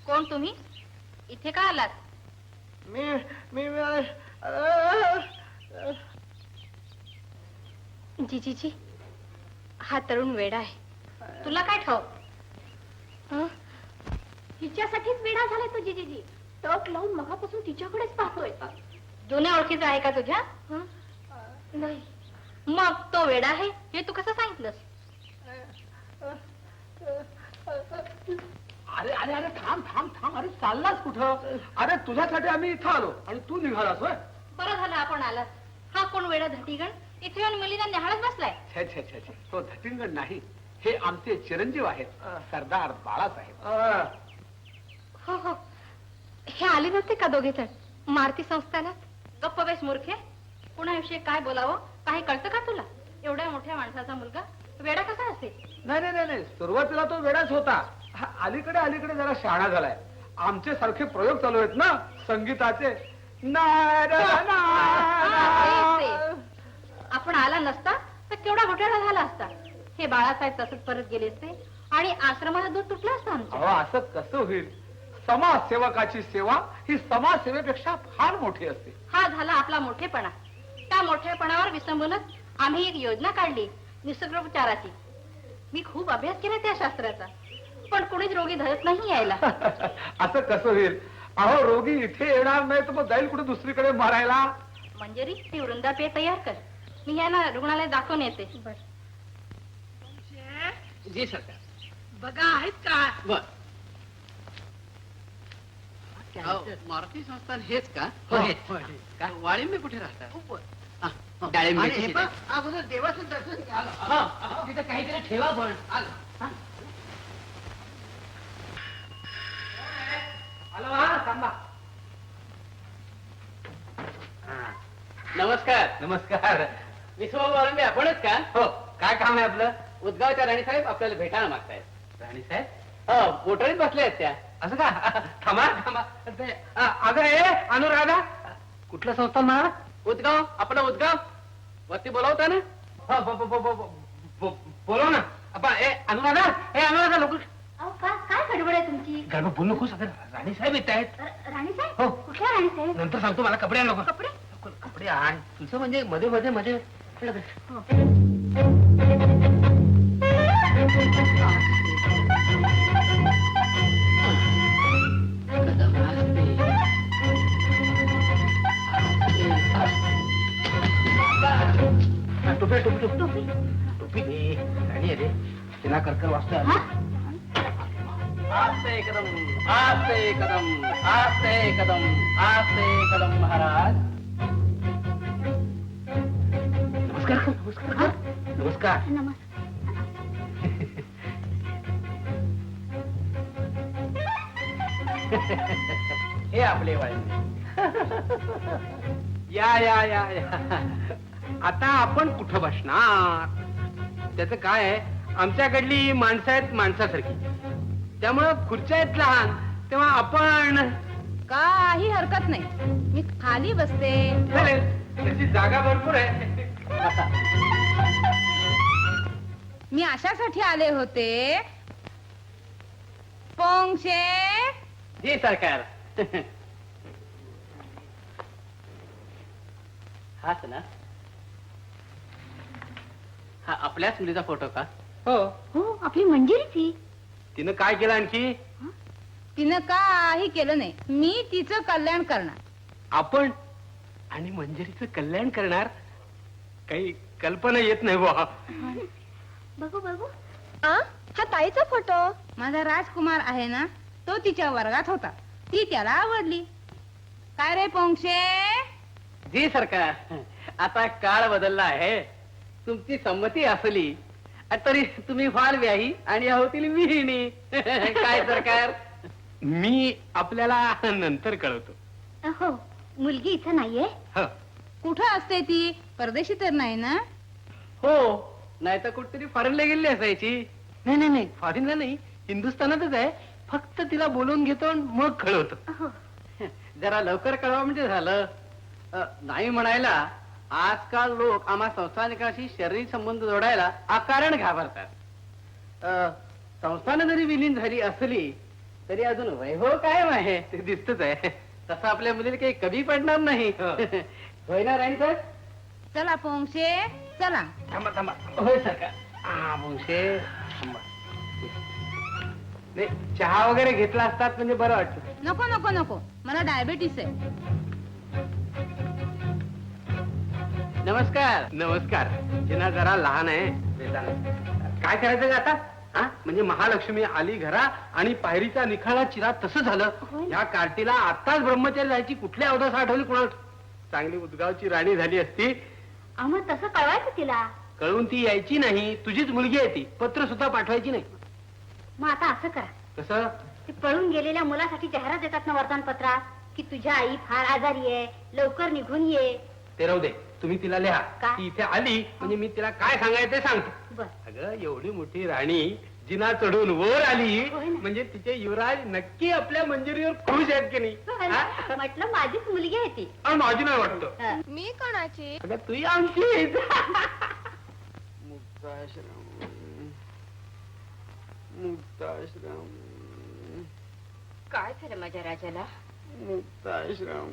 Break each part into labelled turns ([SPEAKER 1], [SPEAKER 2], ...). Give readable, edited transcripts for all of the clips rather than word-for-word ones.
[SPEAKER 1] कोण तुम्ही? इथे का आलात?
[SPEAKER 2] मी मी
[SPEAKER 1] जीजीजी, हा तरुण वेडा आहे. तुला काय ठाऊक?
[SPEAKER 3] तिच्यासाठीच वेडा झालाय तो जीजीजी. टक लावून मगापासून तिच्याकडेच पाहतोय.
[SPEAKER 1] जुन्या ओळखीचा आहे का तुझ्या?
[SPEAKER 3] नाही.
[SPEAKER 1] मग तो वेडा आहे हे तू कसं सांगितलंस?
[SPEAKER 2] अरे अरे अरे थांब थांब थांब. अरे चाललास कुठं? अरे तुझ्यासाठी आम्ही इथं आलो आणि तू निघालास होय?
[SPEAKER 1] बरं झालं आपण आलास. हा कोण वेडा धटीगण इथे येऊन मुलीला न्याहाळत बसलाय?
[SPEAKER 4] छे छे छे छे, तो धटिंगण नाही, हे आमचे चिरंजीव आहेत, सरदार बाळासाहेब.
[SPEAKER 1] हो हो, हे आले नव्हते का दोघे जण मारुती संस्थानात? गप्प बेस मूर्खे, कुणाविषयी काय बोलावं काही कळतं का तुला? एवढ्या मोठ्या माणसाचा मुलगा वेडा कसा असेल?
[SPEAKER 4] नाही नाही नाही, सुरुवातीला तो वेडाच होता. अलीकडे अलीकडे जरा शहाणा झालाय. आमचे सारखे प्रयोग चालू आहेत ना संगीताचे.
[SPEAKER 1] आपण आला नसता तर केवढा घोटाळा झाला असता. हे बाळासाहेब तसंच परत गेले असते आणि आश्रमाला दूध तुटलं असतं आमचं.
[SPEAKER 4] असं कसं होईल? समाजसेवकाची सेवा ही समाजसेवेपेक्षा फार मोठी असते.
[SPEAKER 1] हा झाला आपला मोठेपणा. त्या मोठेपणावर विसंबूनच आम्ही एक योजना काढली निसर्गोपचाराची. मी खूप अभ्यास केला त्या शास्त्राचा, पण कोणीच रोगी धरत नाही यायला.
[SPEAKER 4] असं कसं होईल? अहो, रोगी इथे येणार नाही तर मग जाईल कुठे दुसरीकडे मारायला.
[SPEAKER 1] मंजरी, ती वृंदापेय तयार कर. मी यांना रुग्णालय दाखवून येते.
[SPEAKER 2] जी सरकार.
[SPEAKER 5] बघा आहेत का?
[SPEAKER 2] बर. मारुती संस्थान हेच का? वाळिंबे कुठे राहतात? डाळिंबे
[SPEAKER 5] अगोदर देवाचं दर्शन घ्या. तिथे काहीतरी ठेवा पण.
[SPEAKER 2] नमस्कार.
[SPEAKER 4] नमस्कार.
[SPEAKER 2] विश्वभाऊ वाळिंबे आपणच का?
[SPEAKER 4] हो, काय काम आहे आपलं?
[SPEAKER 2] उदगावच्या राणीसाहेब आपल्याला भेटायला मागतायत.
[SPEAKER 4] राणीसाहेब?
[SPEAKER 2] हो, मोटरीत बसल्या आहेत त्या.
[SPEAKER 4] असं का? थांबा थांबा. अगं ए अनुराधा, कुठलं संस्थान म्हणा?
[SPEAKER 2] उदगाव, आपलं उदगाव वरती बोलावता ना?
[SPEAKER 4] बोलव ना. ए अनुराधा, लोक
[SPEAKER 3] काय गडबड आहे तुमची?
[SPEAKER 4] गडबड बोलू नकोस. अगं राणीसाहेब येत आहेत.
[SPEAKER 3] राणीसाहेब?
[SPEAKER 4] हो.
[SPEAKER 3] कुठल्या राणीसाहेब?
[SPEAKER 4] नंतर सांगतो, मला कपडे आण नको.
[SPEAKER 3] कपडे?
[SPEAKER 4] कपडे आण. तुझं म्हणजे मध्ये मध्ये मध्ये टोपी टोपी टोपी टोपी दे. राणी रे, तिला करकर वाचतो.
[SPEAKER 2] आस्ते कदम, आस्ते कदम, आस्ते कदम, आस्ते कदम महाराज.
[SPEAKER 4] नमस्कार नमस्कार नमस्कार.
[SPEAKER 2] हे आपले वाळिंबे.
[SPEAKER 4] या या या या. आता आपण कुठं बसणार? त्याचं काय आहे, आमच्याकडली माणसं आहेत माणसासारखी, त्यामुळं खुर्च्या आहेत लहान, तेव्हा आपण
[SPEAKER 1] काही हरकत नाही, मी खाली बसते.
[SPEAKER 4] चालेल, त्याची जागा भरपूर आहे.
[SPEAKER 1] मी अशासाठी आले होते, पोंक्षे.
[SPEAKER 2] जी सरकार. हाच ना? हा आपल्याच मुलीचा फोटो का?
[SPEAKER 4] हो.
[SPEAKER 3] हो, आपली मंजिरी ती.
[SPEAKER 4] तिनं काय केलं आणखी?
[SPEAKER 1] तिनं काही केलं नाही. मी तिचं कल्याण करणार.
[SPEAKER 4] आपण आणि मंजिरीचं कल्याण करणार? काही कल्पना येत नाही बुवा.
[SPEAKER 3] बघू बघू. हा ताईचा फोटो.
[SPEAKER 1] माझा राजकुमार आहे ना, तो तिच्या वर्गात होता, ती त्याला आवडली. काय रे पोंक्षे?
[SPEAKER 2] जी सरकार. आता काळ बदलला आहे. तुमची संमती असली तरी तुम्ही व्हाल व्याही आणि होतील विहिणी. काय सरकार?
[SPEAKER 4] मी आपल्याला नंतर कळवतो.
[SPEAKER 3] हो, मुलगी इथं नाहीये.
[SPEAKER 4] हो.
[SPEAKER 1] कुठं असते ती? परदेशी तर नाही ना?
[SPEAKER 2] हो, नाही तर कुठतरी फॉरेनला गेली असायची.
[SPEAKER 4] नाही नाही नाही, फॉरेनला नाही, हिंदुस्थानातच आहे. फक्त तिला बोलवून घेतो आणि मग कळवतो.
[SPEAKER 2] जरा लवकर कळवा म्हणजे झालं. नाही म्हणायला आजकाल लोक आम्हा संस्थानिकाशी शारीरिक संबंध जोडायला अकारण घाबरतात. संस्थानं जरी विलीन झाली असली तरी अजून वैभव कायम आहे.
[SPEAKER 4] ते दिसतच आहे.
[SPEAKER 2] तसं आपल्या मुलीला काही कमी पडणार नाही. होय ना राणी सर?
[SPEAKER 1] चला पोंगशे चला.
[SPEAKER 4] थांबा थांबा.
[SPEAKER 2] होय सरकार.
[SPEAKER 4] हा मुंशे थांबा. नाही चहा वगैरे घेतला असतात म्हणजे बरं वाटतं.
[SPEAKER 1] नको नको नको मला डायबेटीस आहे.
[SPEAKER 2] नमस्कार.
[SPEAKER 4] नमस्कार. जिना जरा लहान आहे वेदांत. काय करायचं ग आता? हा म्हणजे महालक्ष्मी आली घरा आणि पायरीचा निखाळा चिरा तसं झालं. या कार्टीला आताच ब्रह्मचारी जायची कुठली अवदास आठवली कुणाला? चांगली उदगावची राणी झाली असती.
[SPEAKER 3] मग तसं कळवायचं तिला.
[SPEAKER 4] कळून ती यायची नाही. तुझीच मुलगी आहे ती. पत्र सुद्धा पाठवायची नाही.
[SPEAKER 3] मग आता असं करा,
[SPEAKER 4] कसं?
[SPEAKER 3] ते पळून गेलेल्या मुलासाठी जाहिरात देतात ना वर्तमानपत्रात की तुझ्या आई फार आजारी आहे, लवकर निघून ये.
[SPEAKER 4] ते राहू दे. तुम्ही तिला लिहा.
[SPEAKER 3] काय?
[SPEAKER 4] ती इथे आली म्हणजे मी तिला काय सांगायचं ते सांगतो.
[SPEAKER 3] बर.
[SPEAKER 4] अगं एवढी मोठी राणी जिना चढून वर आली
[SPEAKER 3] होय ना.
[SPEAKER 4] म्हणजे तिचे युवराज नक्की आपल्या मंजुरीवर खुश आहेत की नाही? हा?
[SPEAKER 3] म्हटलं माझीच मुलगी आहे ती.
[SPEAKER 4] आणि माझी नाही वाटतं.
[SPEAKER 3] हं.
[SPEAKER 1] मी कोणाची?
[SPEAKER 4] अगं तुही आमची आहेस. मुक्ताश्रम
[SPEAKER 1] काय झालं माझ्या राजाला?
[SPEAKER 4] मुक्ताश्रम.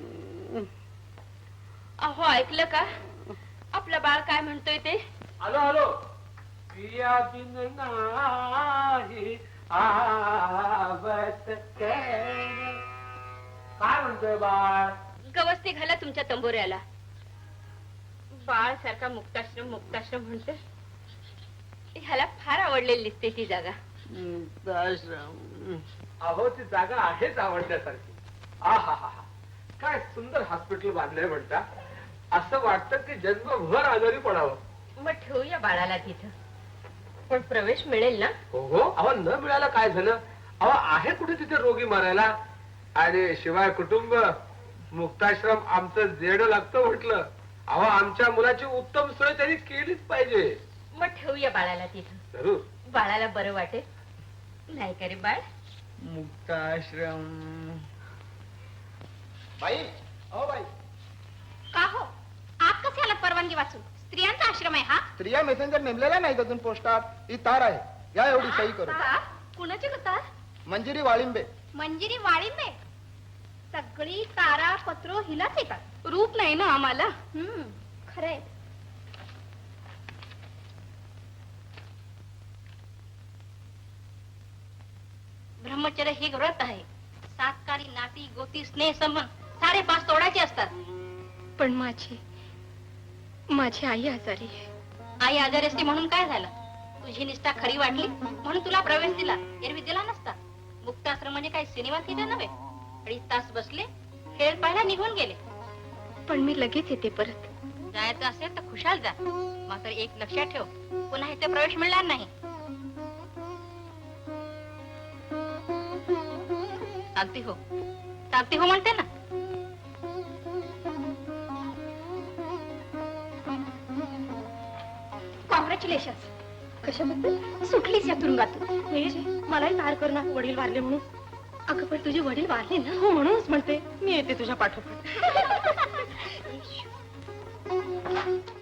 [SPEAKER 1] अहो ऐकलं का आपलं बाळ काय म्हणतोय ते?
[SPEAKER 4] आलो आलो. प्रिया बिन नाही आवत काय म्हणतोय बाळ?
[SPEAKER 1] गवस्ती घाला तुमच्या तंबोऱ्याला. बाळ सारखा मुक्ताश्रम मुक्ताश्रम म्हणतोय. ह्याला फार आवडलेली दिसते ती जागा.
[SPEAKER 4] मुक्ताश्रम. अहो ती जागा आहेच आवडण्यासारखी. आहा काय सुंदर हॉस्पिटल बांधलंय म्हणता. असं वाटतं की जन्मभर आजारी पडावं.
[SPEAKER 1] मग ठेवूया बाळाला तिथं. पण प्रवेश मिळेल ना?
[SPEAKER 4] हो हो. अहो न मिळालं काय झालं? अहो आहे कुठे तिथे रोगी मारायला. आणि शिवाय कुटुंब मुक्ताश्रम आमचं जेड लागतं म्हटलं. अहो आमच्या मुलाची उत्तम सोय त्यांनी केलीच पाहिजे.
[SPEAKER 1] मग ठेवूया बाळाला तिथं.
[SPEAKER 4] जरूर.
[SPEAKER 1] बाळाला बरं वाटेल नाही का रे बाळ?
[SPEAKER 2] मुक्ताश्रम.
[SPEAKER 5] बाई ओ बाई,
[SPEAKER 3] का हो आप कसे आलात परवानगी वाचून? स्त्रियांचा आश्रम आहे हा.
[SPEAKER 5] स्त्रिया मेसेंजर नेमलेला नाही अजून पोस्टात. ही तार आहे. या एवढी सही करू.
[SPEAKER 3] कुणाची कथा?
[SPEAKER 5] मंजिरी वाळिंबे.
[SPEAKER 3] मंजिरी वाळिंबे. सगळी तारा पत्र हिलाच येतात.
[SPEAKER 1] रूप नाही ना आम्हाला.
[SPEAKER 3] खरे.
[SPEAKER 1] ब्रह्मचर्य हे व्रत आहे. सातकारी नाती गोती स्नेह संबंध सारे 5 तोडायचे असतात.
[SPEAKER 6] पण माझी आई आजारी आहे.
[SPEAKER 1] आई आजारी असते म्हणून काय झालं? तुझी निष्ठा खरी वाटली म्हणून तुला प्रवेश दिला. एरवी दिला नसता. मुक्ताश्रम म्हणजे काय सिनेमा थिएटर नव्हे. 2.5 तास बसले, खेळ पाहायला निघून गेले.
[SPEAKER 6] पण मी लगेच येते परत.
[SPEAKER 1] जायचं असेल तर खुशाल जा. मात्र एक लक्षात ठेव, पुन्हा इथे प्रवेश मिळणार नाही. सांगते हो म्हणते ना.
[SPEAKER 3] कॉंग्रॅच्युलेशन.
[SPEAKER 6] कशाबद्दल?
[SPEAKER 3] सुटलीस या तुरुंगातून.
[SPEAKER 6] मलाही मार कर ना, वडील वारले म्हणून. अगं पण तुझे वडील वारले ना. हो म्हणूनच म्हणते मी येते तुझ्या पाठोपाठ.